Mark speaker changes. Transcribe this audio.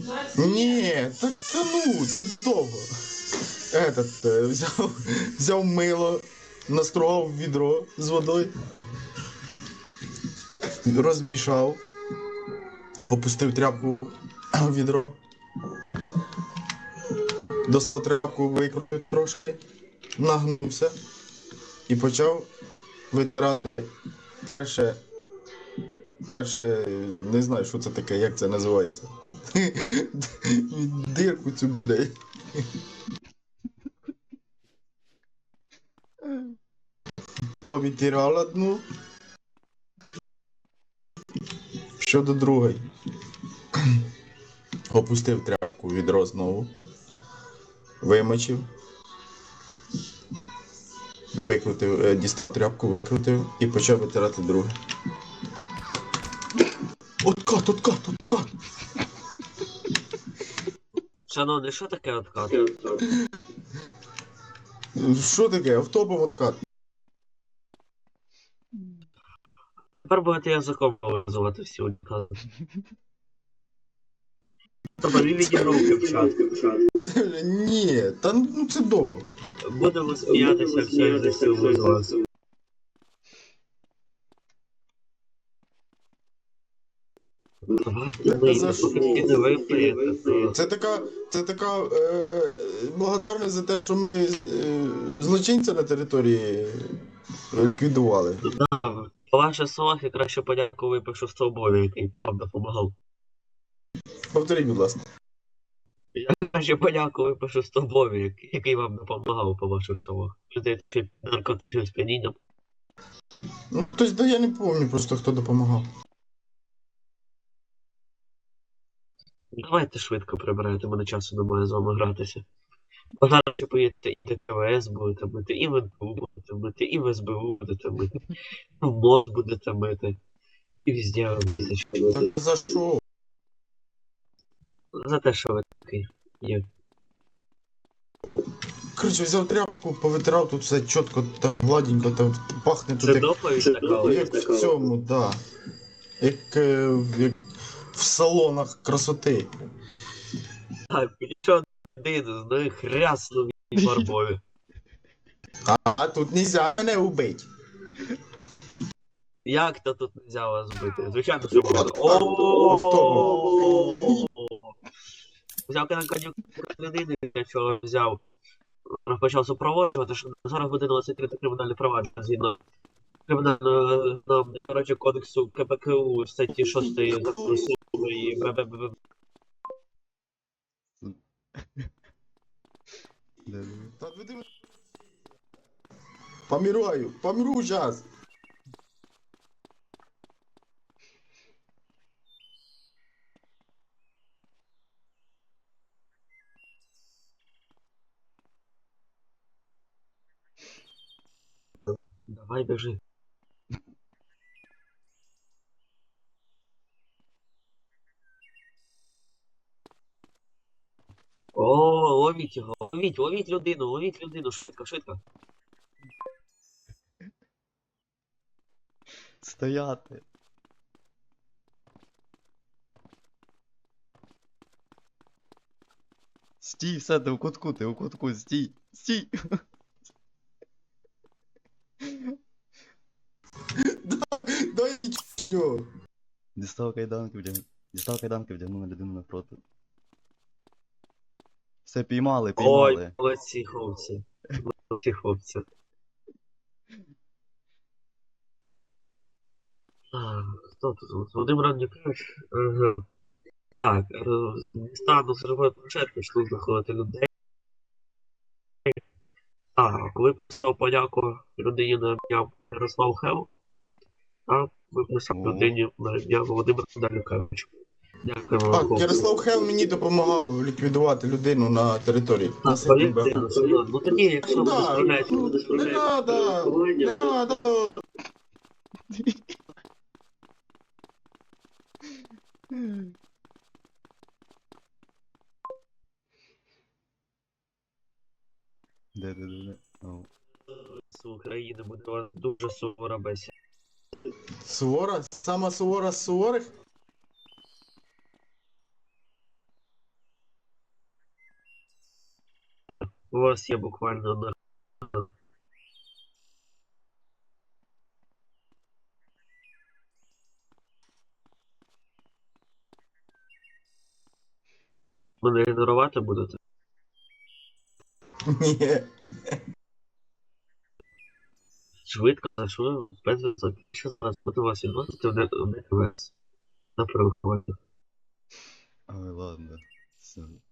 Speaker 1: Ні, так та ну, це довго. Взяв мило, настругав відро з водою, розмішав, опустив тряпку в відро, достав тряпку, викрутив трошки, нагнувся і почав витирати. Перше, не знаю, що це таке, як це називається. Дирку цю блядь. Відтирав одну, щодо другої. Опустив тряпку в відро знову, вимочив, викрутив, дістав тряпку, викрутив і почав витирати друге. Откат, откат, откат!
Speaker 2: Шановний, що таке откат?
Speaker 1: Що таке? Автопом откат.
Speaker 2: Тепер будете язиком визивати всі унікати. Тобто він відігруки в чат.
Speaker 1: Ні, та ну це довго.
Speaker 2: Будемо сміятися всі за силу з вас.
Speaker 1: Це така благодарність за те, що ми злочинця на території ліквідували.
Speaker 2: По вашій словах я краще подяку випишу Столбові, який вам допомагав.
Speaker 1: Повторіть, будь ласка.
Speaker 2: Я краще подяку випишу Столбові, який вам допомагав по ваших словах. Людей під наркотичним сп'янінням.
Speaker 1: Ну, тобто, я не пам'ятаю просто, хто допомагав.
Speaker 2: Давайте швидко прибирайте, мене часу немає з вами гратися. Бо зараз ви поїдете і ТКВС будете мити, і в НПУ будете мити, і в СБУ будете мити, і в МОЗ будете мити, і везде ви будете що мити.
Speaker 1: Так за що?
Speaker 2: За те, що ви такий є.
Speaker 1: Коротше, взяв тряпку, повитирав тут все чітко, там гладенько, там пахне тут
Speaker 2: Це доповідь така?
Speaker 1: як в цьому, да. Як в салонах красоти.
Speaker 2: Так, нічого один з них ряснув і фарбою.
Speaker 1: А тут нельзя мене убити.
Speaker 2: Як то тут нельзя вас збити? Звичайно, що можна. Взяв конюк людини, для чого взяв. Почав супроводжувати, що на 40 годин 23 кримінальне провадження згідно кримінального, коротше, кодексу КПКУ статті 6 закону суду і БББ.
Speaker 1: Помираю зараз.
Speaker 2: Давай біжи. О, ловіть його, ловіть людину, швидко, швидко.
Speaker 3: Стояти. Стій, все, ти у кутку, стій, стій.
Speaker 1: Дай нічого.
Speaker 3: Дістав кайданки, вдягнув на людину напроти. Все, піймали.
Speaker 2: Ой, молодці хлопці. Молодці хлопці. Хто тут? Володимир Андрійович? Ага. Так, стану зробити початку, почну знаходити людей. Так, виписав подяку людині на ім'я Ярослав Хел. Так, виписав людині на ім'я Володимир Данюкевич. Дякуємо вам,
Speaker 1: Так,
Speaker 2: хлопці.
Speaker 1: Ярослав Хел мені допомагав ліквідувати людину на території.
Speaker 2: Так, повірте, ну тоді, якщо ви не справляєтеся, ви не
Speaker 1: Не
Speaker 2: справляєтеся.
Speaker 1: надо, не надо.
Speaker 3: Де? О.
Speaker 2: З України буде у вас дуже сувора бесіда.
Speaker 1: Сувора? Сама сувора з суворих?
Speaker 2: У вас є буквально одна. Мене ігнорувати будете?
Speaker 1: Ні.
Speaker 2: Швидко, що без зв'язок. Що зараз буду вас відносити в ДКВС на переховання.
Speaker 3: Ой, ладно. Все.